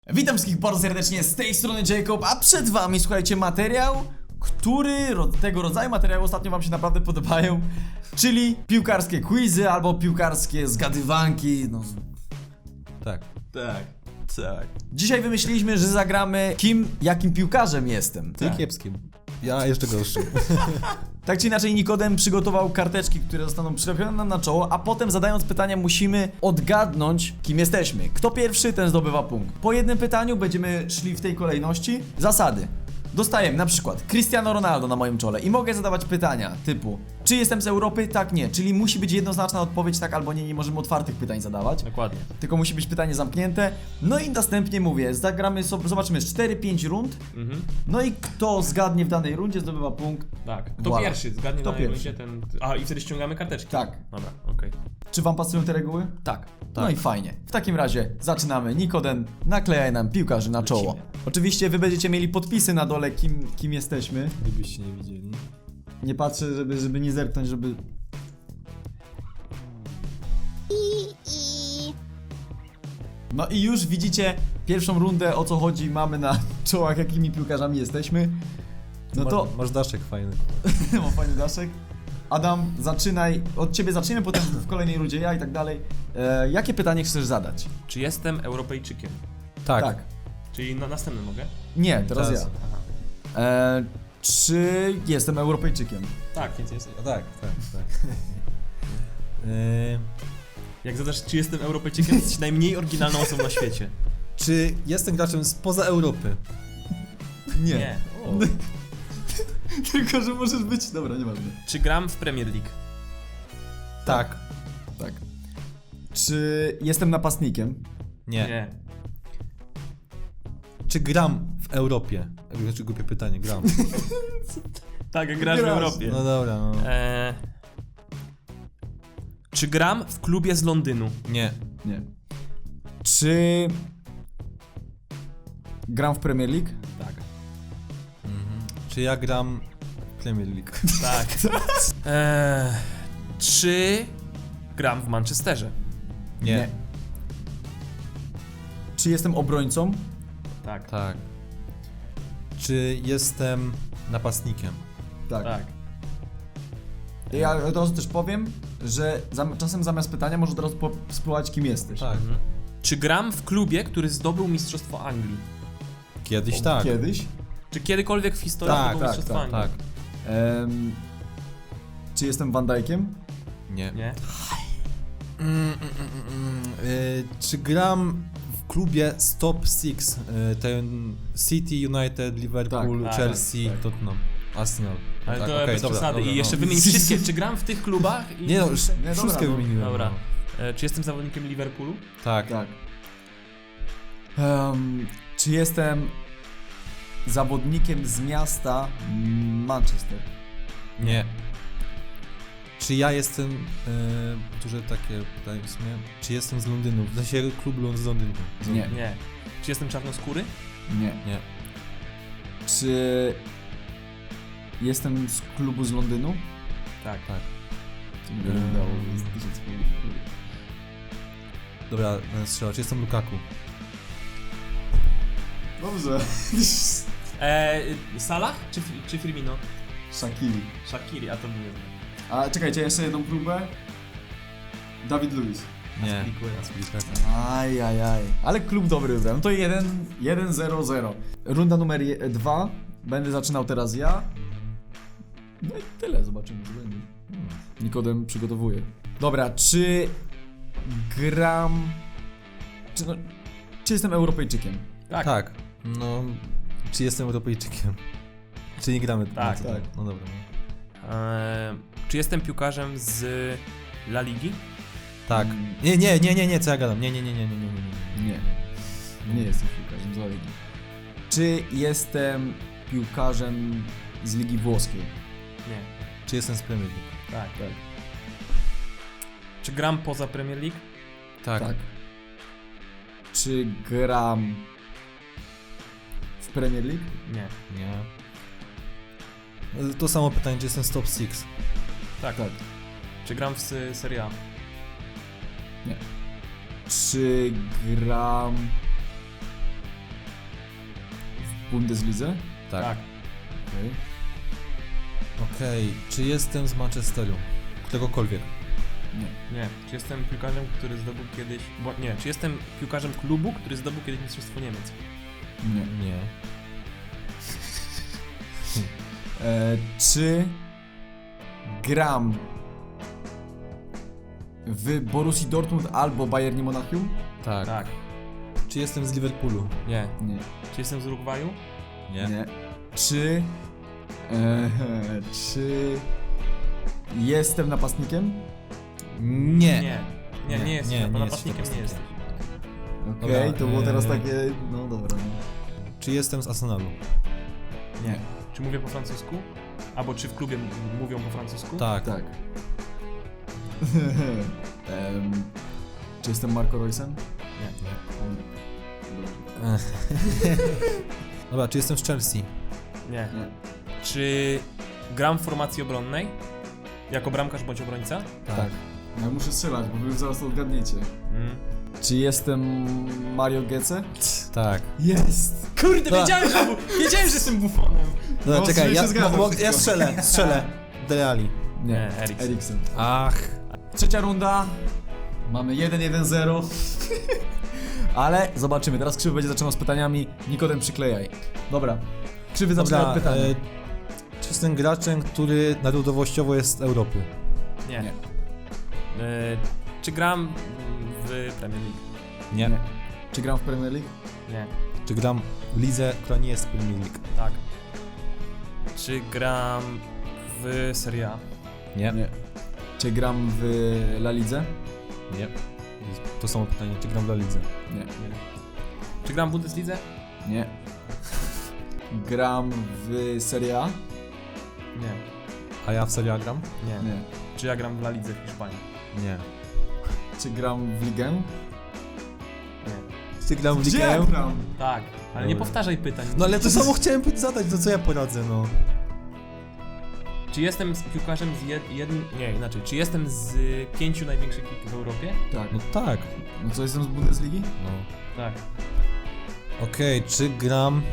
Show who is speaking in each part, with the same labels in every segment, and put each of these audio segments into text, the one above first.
Speaker 1: Witam wszystkich bardzo serdecznie, z tej strony Jacob, a przed wami, słuchajcie, materiał, tego rodzaju materiały ostatnio wam się naprawdę podobają, czyli piłkarskie quizy albo piłkarskie zgadywanki, no...
Speaker 2: Tak.
Speaker 1: Dzisiaj wymyśliliśmy, że zagramy jakim piłkarzem jestem.
Speaker 2: Ty kiepskim. Ja jeszcze gorszym.
Speaker 1: Tak czy inaczej, Nikodem przygotował karteczki, które zostaną przyczepione nam na czoło, a potem zadając pytania musimy odgadnąć, kim jesteśmy. Kto pierwszy, ten zdobywa punkt. Po jednym pytaniu będziemy szli w tej kolejności. Zasady. Dostajemy na przykład Cristiano Ronaldo na moim czole i mogę zadawać pytania typu: czy jestem z Europy? Tak, nie. Czyli musi być jednoznaczna odpowiedź tak albo nie, nie możemy otwartych pytań zadawać.
Speaker 3: Dokładnie.
Speaker 1: Tylko musi być pytanie zamknięte. No i następnie mówię, zagramy sobie, zobaczymy 4-5 rund. No i kto zgadnie w danej rundzie, zdobywa punkt.
Speaker 3: Tak. Kto
Speaker 1: Voilà.
Speaker 3: pierwszy zgadnie
Speaker 1: Kto
Speaker 3: na
Speaker 1: pierwszy?
Speaker 3: rundzie, ten... A, i wtedy ściągamy karteczki?
Speaker 1: Tak.
Speaker 3: Dobra, okej.
Speaker 1: Czy wam pasują te reguły? Tak. No i fajnie. W takim razie zaczynamy. Nikodem, naklejaj nam piłkarzy na czoło.
Speaker 3: Lecimy.
Speaker 1: Oczywiście wy będziecie mieli podpisy na dole, kim jesteśmy.
Speaker 2: Gdybyście nie widzieli.
Speaker 1: Nie patrzę, żeby nie zerknąć, żeby... No i już widzicie pierwszą rundę, o co chodzi, mamy na czołach, jakimi piłkarzami jesteśmy. No to...
Speaker 2: Masz daszek fajny.
Speaker 1: Mam fajny daszek. Adam, zaczynaj, od ciebie zaczniemy, potem w kolejnej rundzie ja i tak dalej. Jakie pytanie chcesz zadać?
Speaker 3: Czy jestem Europejczykiem?
Speaker 2: Tak.
Speaker 3: Czyli na następny mogę?
Speaker 1: Nie, teraz
Speaker 2: Teraz.
Speaker 1: ja.
Speaker 3: Aha.
Speaker 1: Czy jestem Europejczykiem?
Speaker 3: Tak, więc jest.
Speaker 2: Tak.
Speaker 3: Jak zadasz, czy jestem Europejczykiem, jesteś najmniej oryginalną osobą na świecie.
Speaker 2: Czy jestem graczem spoza Europy?
Speaker 3: Nie.
Speaker 2: O.
Speaker 1: Tylko, że możesz być... Dobra, nieważne.
Speaker 3: Czy gram w Premier League?
Speaker 2: Tak.
Speaker 1: Tak. Czy jestem napastnikiem?
Speaker 2: Nie. Czy gram w Europie? Znaczy głupie pytanie, gram.
Speaker 3: Tak, grasz w
Speaker 1: Grasz.
Speaker 3: Europie.
Speaker 2: No dobra, no.
Speaker 3: Czy gram w klubie z Londynu?
Speaker 2: Nie.
Speaker 1: Nie. Czy... gram w Premier League?
Speaker 3: Tak.
Speaker 2: Czy ja gram w Premier League?
Speaker 3: Tak. Czy gram w Manchesterze?
Speaker 2: Nie.
Speaker 1: Czy jestem obrońcą?
Speaker 3: Tak.
Speaker 2: Tak. Czy jestem napastnikiem?
Speaker 1: Tak.
Speaker 3: Tak.
Speaker 1: Ja od razu też powiem, że czasem zamiast pytania może od razu spróbować, kim jesteś.
Speaker 2: Tak.
Speaker 3: Czy gram w klubie, który zdobył Mistrzostwo Anglii?
Speaker 2: Kiedyś tak.
Speaker 1: Kiedyś.
Speaker 3: Czy kiedykolwiek w historii
Speaker 2: Tak,
Speaker 3: zdobył
Speaker 1: tak,
Speaker 3: Mistrzostwo
Speaker 1: tak,
Speaker 3: Anglii?
Speaker 2: Tak.
Speaker 1: Czy jestem Van Dijkiem?
Speaker 2: Nie.
Speaker 3: Nie?
Speaker 2: Czy gram w klubie Top 6? Ten City, United, Liverpool,
Speaker 3: Tak,
Speaker 2: Chelsea,
Speaker 1: tak.
Speaker 2: Tottenham, Arsenal.
Speaker 3: Ale
Speaker 2: tak,
Speaker 3: to
Speaker 2: okej,
Speaker 3: bez
Speaker 2: dobra,
Speaker 3: przesady.
Speaker 2: dobra,
Speaker 3: I jeszcze
Speaker 2: no.
Speaker 3: wymień wszystkie, czy gram w tych klubach? I...
Speaker 2: Nie no,
Speaker 1: dobra,
Speaker 2: wszystkie
Speaker 1: no.
Speaker 2: wymieniłem.
Speaker 3: Dobra.
Speaker 2: No.
Speaker 3: Czy jestem zawodnikiem Liverpoolu?
Speaker 2: Tak.
Speaker 1: Tak. Czy jestem zawodnikiem z miasta Manchester?
Speaker 2: Nie. Czy ja jestem, duże takie pytanie w sumie, czy jestem z Londynu? W sensie klub z Londynu.
Speaker 1: Nie.
Speaker 3: Nie. Czy jestem czarnoskóry?
Speaker 1: Nie.
Speaker 2: Nie.
Speaker 1: Czy jestem z klubu z Londynu?
Speaker 3: Tak.
Speaker 2: Tak.
Speaker 1: To mi nie udało, jest 1000 punktów.
Speaker 2: Dobra, będę strzelał. Czy jestem Lukaku?
Speaker 1: Dobrze.
Speaker 3: Salah czy Firmino?
Speaker 1: Shaqiri.
Speaker 3: Shaqiri, a to nie wiem.
Speaker 1: A czekajcie, jeszcze jedną próbę. Dawid Luiz.
Speaker 2: Nie.
Speaker 3: Aspilicueta.
Speaker 1: Ajajaj. Ale klub dobry wybrałem. To 1-0-0. Runda numer 2. Będę zaczynał teraz ja. No i tyle, zobaczymy co będzie. Nikodem przygotowuje. Dobra, czy gram... Czy jestem Europejczykiem?
Speaker 3: Tak.
Speaker 2: Tak. No, czy jestem Europejczykiem? Czy nie gramy?
Speaker 3: Tak.
Speaker 2: na co?
Speaker 1: Tak.
Speaker 2: No dobra.
Speaker 3: Czy jestem piłkarzem z La Ligi?
Speaker 2: Tak. Nie, co ja gadam? Nie.
Speaker 1: Nie jestem piłkarzem z La Ligi. Czy jestem piłkarzem z Ligi Włoskiej?
Speaker 3: Nie.
Speaker 2: Czy jestem z Premier League?
Speaker 3: Tak.
Speaker 1: Tak.
Speaker 3: Czy gram poza Premier League?
Speaker 2: Tak.
Speaker 1: Czy gram w Premier League?
Speaker 3: Nie.
Speaker 2: Nie. To samo pytanie, czy jestem z Top 6?
Speaker 3: Tak.
Speaker 1: Tak.
Speaker 3: Czy gram w Serie A?
Speaker 1: Czy gram w Bundeslidze?
Speaker 2: Tak.
Speaker 1: Okej.
Speaker 2: Okej, czy jestem z Manchesteru? Któregokolwiek.
Speaker 1: Nie.
Speaker 3: Nie. Czy jestem piłkarzem, który zdobył kiedyś... Nie. Czy jestem piłkarzem klubu, który zdobył kiedyś Mistrzostwo Niemiec?
Speaker 1: Nie.
Speaker 2: Nie.
Speaker 1: Czy gram w Borussii Dortmund albo Bayernie Monachium?
Speaker 2: Tak.
Speaker 3: Tak.
Speaker 2: Czy jestem z Liverpoolu?
Speaker 3: Nie.
Speaker 1: Nie.
Speaker 3: Czy jestem z Urugwaju?
Speaker 2: Nie.
Speaker 1: Czy... czy... jestem napastnikiem?
Speaker 2: Nie.
Speaker 3: Nie. Nie jesteś.
Speaker 2: nie
Speaker 3: Napastnikiem
Speaker 2: jesteś
Speaker 3: nie jesteś.
Speaker 1: Okej,
Speaker 2: Dobra,
Speaker 1: to było teraz takie... No dobra.
Speaker 2: Czy jestem z Arsenalu?
Speaker 1: Nie.
Speaker 3: Czy mówię po francusku? Albo czy w klubie mówią po francusku?
Speaker 2: Tak.
Speaker 1: Tak. Czy jestem Marco Reusem?
Speaker 3: Nie.
Speaker 2: Dobra, czy jestem z Chelsea?
Speaker 3: Nie.
Speaker 1: Nie.
Speaker 3: Czy gram w formacji obronnej? Jako bramkarz bądź obrońca?
Speaker 1: Tak. No, ja muszę strzelać, bo wy zaraz to odgadniecie.
Speaker 3: Mm.
Speaker 1: Czy jestem Mario Götze?
Speaker 2: Tak.
Speaker 1: Jest!
Speaker 3: Kurde,
Speaker 2: Dobra.
Speaker 3: wiedziałem, że jestem bufonem.
Speaker 2: Dobra,
Speaker 1: No,
Speaker 2: czekaj,
Speaker 1: się zgadza
Speaker 2: ja
Speaker 1: wszystko.
Speaker 2: strzelę. Dele Alli.
Speaker 3: Nie, Eriksen.
Speaker 1: Eriksen.
Speaker 2: Ach.
Speaker 1: Trzecia runda. Mamy 1-1-0. Ale zobaczymy. Teraz Krzywy będzie zaczynał z pytaniami. Nikodem przyklejaj. Dobra. Krzywy zaczyna od pytania.
Speaker 2: Czy jestem graczem, który narodowościowo jest z Europy?
Speaker 3: Nie.
Speaker 1: Nie.
Speaker 3: Czy gram w Premier League?
Speaker 2: Nie.
Speaker 1: Czy gram w Premier League?
Speaker 3: Nie.
Speaker 2: Czy gram w lidze, która nie jest Premier League?
Speaker 3: Tak. Czy gram w Serie A?
Speaker 2: Nie.
Speaker 1: Czy gram w La Lidze?
Speaker 2: Nie. To samo pytanie, czy gram w La Lidze?
Speaker 1: Nie.
Speaker 3: Nie. Czy gram w Bundeslidze?
Speaker 1: Nie. Gram w Serie A?
Speaker 3: Nie.
Speaker 2: A ja w Serie A gram?
Speaker 3: Nie.
Speaker 1: Nie.
Speaker 3: Czy ja gram w La Lidze w Hiszpanii?
Speaker 2: Nie.
Speaker 1: Czy gram w Ligę?
Speaker 3: Nie.
Speaker 2: Czy gram w
Speaker 1: Gdzie
Speaker 2: Ligę?
Speaker 1: ja gram?
Speaker 3: Tak, ale nie
Speaker 2: Dobra.
Speaker 3: powtarzaj pytań.
Speaker 2: No ale to samo chciałem zadać, to co ja poradzę, no.
Speaker 3: Czy jestem z piłkarzem z jednym... Nie, inaczej. Czy jestem z 5 największych lig w Europie?
Speaker 1: Tak.
Speaker 2: No tak.
Speaker 1: No co, jestem z Bundesligi?
Speaker 2: No.
Speaker 3: Tak.
Speaker 2: Okej, czy gram...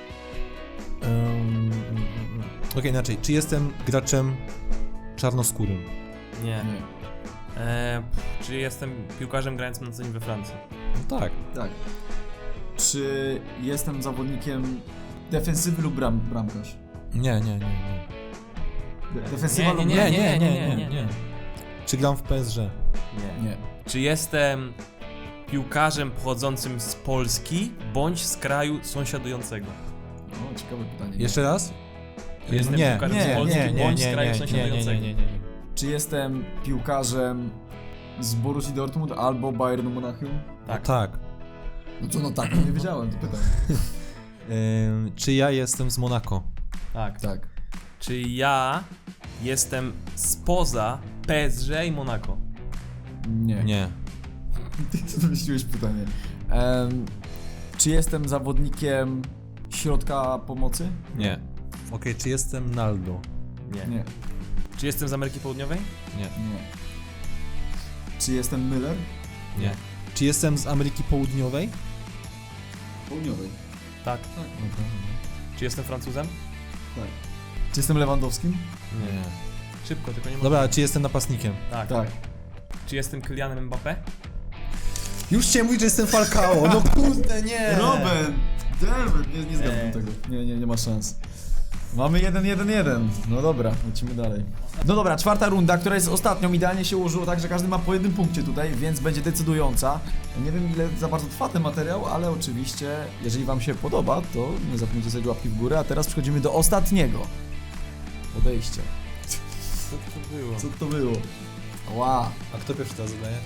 Speaker 2: Okej, inaczej. Czy jestem graczem czarnoskórym?
Speaker 3: Nie.
Speaker 1: Nie.
Speaker 3: Czy jestem piłkarzem grającym na co dzień we Francji?
Speaker 2: No tak.
Speaker 1: Tak. Czy jestem zawodnikiem defensywy lub bramkarz?
Speaker 2: Nie.
Speaker 1: Defensywa lub
Speaker 3: Nie.
Speaker 2: Czy gram w PSG?
Speaker 3: Nie.
Speaker 1: Nie.
Speaker 3: Czy jestem piłkarzem pochodzącym z Polski bądź z kraju sąsiadującego?
Speaker 1: O, ciekawe pytanie.
Speaker 2: Jeszcze raz?
Speaker 3: Czy jestem
Speaker 2: Nie,
Speaker 3: piłkarzem
Speaker 1: nie,
Speaker 3: z Polski bądź z kraju sąsiadującego?
Speaker 2: nie.
Speaker 1: Czy jestem piłkarzem z Borussii Dortmund albo Bayernu Monachium?
Speaker 3: Tak.
Speaker 2: Tak.
Speaker 1: No co, no tak, nie wiedziałem, to pytam.
Speaker 2: Czy ja jestem z Monako?
Speaker 3: Tak.
Speaker 1: Tak.
Speaker 3: Czy ja jestem spoza PSG i Monaco?
Speaker 1: Nie.
Speaker 2: Nie.
Speaker 1: Ty wymyśliłeś pytanie. Czy jestem zawodnikiem środka pomocy?
Speaker 2: Nie. Okej, czy jestem Naldo?
Speaker 3: Nie.
Speaker 1: Nie.
Speaker 3: Czy jestem z Ameryki Południowej?
Speaker 2: Nie.
Speaker 1: Nie. Czy jestem Müller?
Speaker 2: Nie. Czy jestem z Ameryki Południowej?
Speaker 1: Południowej.
Speaker 3: Tak.
Speaker 1: Tak.
Speaker 3: Czy jestem Francuzem?
Speaker 1: Tak. Czy jestem Lewandowskim?
Speaker 2: Nie.
Speaker 3: Szybko, tylko nie mogę.
Speaker 2: Dobra, czy jestem napastnikiem?
Speaker 3: Tak.
Speaker 1: Tak.
Speaker 3: Czy jestem Kylianem Mbappé?
Speaker 2: Już chciałem mówić, że jestem Falcao, no kurde, nie!
Speaker 1: Robin! Dammit! Nie zgadzam tego. Nie ma szans. Mamy 1-1-1. No dobra, lecimy dalej. No dobra, czwarta runda, która jest ostatnią. Idealnie się ułożyło tak, że każdy ma po jednym punkcie tutaj, więc będzie decydująca. Nie wiem, ile za bardzo trwa ten materiał, ale oczywiście, jeżeli wam się podoba, to nie zapomnijcie sobie łapki w górę. A teraz przechodzimy do ostatniego podejścia.
Speaker 3: Co to było?
Speaker 1: Co to było? Ła.
Speaker 2: A kto pierwszy teraz zadaje?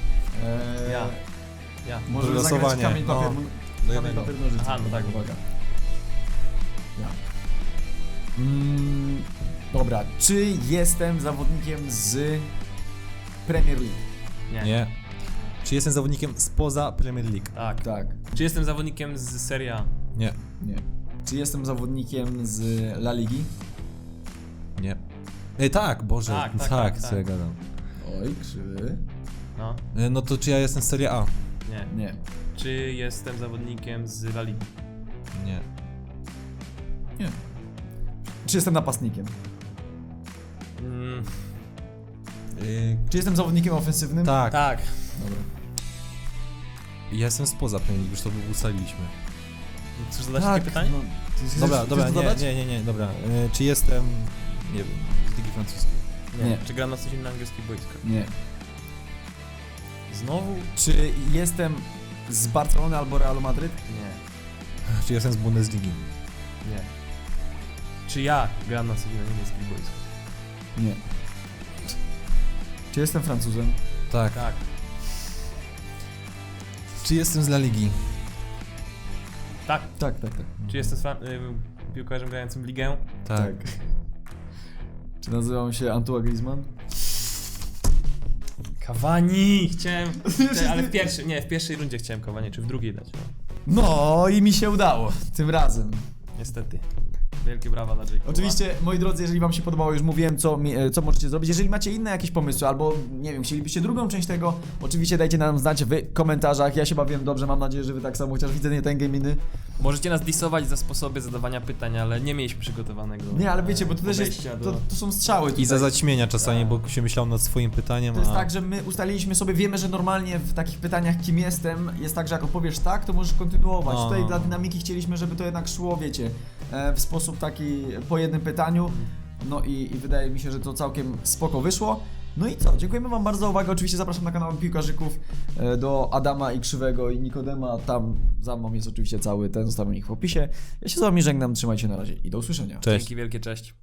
Speaker 3: Ja.
Speaker 1: Może zagrać
Speaker 2: losowanie.
Speaker 1: kamień, papier,
Speaker 2: No. Do
Speaker 1: kamień,
Speaker 2: jednego.
Speaker 1: papier, nożyce.
Speaker 3: Aha, no tak.
Speaker 1: Uwaga. Ja. Dobra, czy jestem zawodnikiem z Premier League?
Speaker 3: Nie.
Speaker 2: Nie. Czy jestem zawodnikiem spoza Premier League?
Speaker 3: Tak.
Speaker 1: Tak.
Speaker 3: Czy jestem zawodnikiem z Serie A?
Speaker 2: Nie.
Speaker 1: Nie. Czy jestem zawodnikiem z La Ligi?
Speaker 2: Nie. Tak, Boże,
Speaker 3: Tak,
Speaker 2: co ja gadam.
Speaker 1: Oj, krzywy.
Speaker 3: No.
Speaker 2: No to czy ja jestem z Serie A?
Speaker 3: Nie.
Speaker 1: Nie.
Speaker 3: Czy jestem zawodnikiem z La Ligi?
Speaker 2: Nie.
Speaker 1: Nie. Czy jestem napastnikiem?
Speaker 3: Mm,
Speaker 1: Czy jestem zawodnikiem ofensywnym?
Speaker 2: tak.
Speaker 3: tak.
Speaker 1: Dobra.
Speaker 2: Ja jestem spoza Premier League, już to ustaliliśmy.
Speaker 3: Chcesz zadać takie pytanie?
Speaker 1: No, ty chcesz-
Speaker 2: Dobra,
Speaker 1: chcesz
Speaker 2: dobra,
Speaker 1: to zadać?
Speaker 2: nie, dobra. Czy jestem, nie wiem, z Ligi Francuskiej?
Speaker 1: Nie.
Speaker 3: Czy gram na coś innym na angielskich boiskach?
Speaker 1: Nie.
Speaker 3: Znowu?
Speaker 1: Czy jestem z Barcelony albo Realu Madryt?
Speaker 3: Nie.
Speaker 2: Czy jestem z Bundesligi?
Speaker 3: Nie. Czy ja gram na coś innym na niemieckich boiskach?
Speaker 1: Nie. Czy jestem Francuzem?
Speaker 2: Tak.
Speaker 3: Tak.
Speaker 2: Czy jestem z La Ligi?
Speaker 3: Tak.
Speaker 1: Tak.
Speaker 3: Czy jestem piłkarzem grającym w ligę?
Speaker 2: Tak.
Speaker 1: Czy nazywam się Antoine Griezmann?
Speaker 3: Cavani! Chciałem, ale w pierwszej rundzie chciałem Cavani, czy w drugiej dać, no.
Speaker 1: No i mi się udało. Tym razem.
Speaker 3: Niestety. Wielkie brawa dla Jacoba.
Speaker 1: Oczywiście, moi drodzy, jeżeli wam się podobało, już mówiłem, co możecie zrobić. Jeżeli macie inne jakieś pomysły, albo nie wiem, chcielibyście drugą część tego, oczywiście dajcie nam znać w komentarzach. Ja się bawiłem dobrze, mam nadzieję, że wy tak samo, chociaż widzę nie ten gaminy.
Speaker 3: Możecie nas disować za sposoby zadawania pytań, ale nie mieliśmy przygotowanego.
Speaker 1: Nie, ale wiecie, bo to też jest,
Speaker 3: podejścia
Speaker 1: to są strzały tutaj.
Speaker 2: I za zaćmienia czasami, bo się myślał nad swoim pytaniem,
Speaker 1: To jest
Speaker 2: a...
Speaker 1: tak, że my ustaliliśmy sobie, wiemy, że normalnie w takich pytaniach kim jestem, jest tak, że jak opowiesz tak, to możesz kontynuować.
Speaker 2: No.
Speaker 1: Tutaj dla dynamiki chcieliśmy, żeby to jednak szło, wiecie, w sposób taki po jednym pytaniu. No i wydaje mi się, że to całkiem spoko wyszło. No i co? Dziękujemy wam bardzo za uwagę. Oczywiście zapraszam na kanał Piłkarzyków do Adama i Krzywego i Nikodema. Tam za mną jest oczywiście cały ten, zostawiam ich w opisie. Ja się z wami żegnam, trzymajcie się na razie i do usłyszenia.
Speaker 2: Cześć.
Speaker 3: Dzięki wielkie, cześć.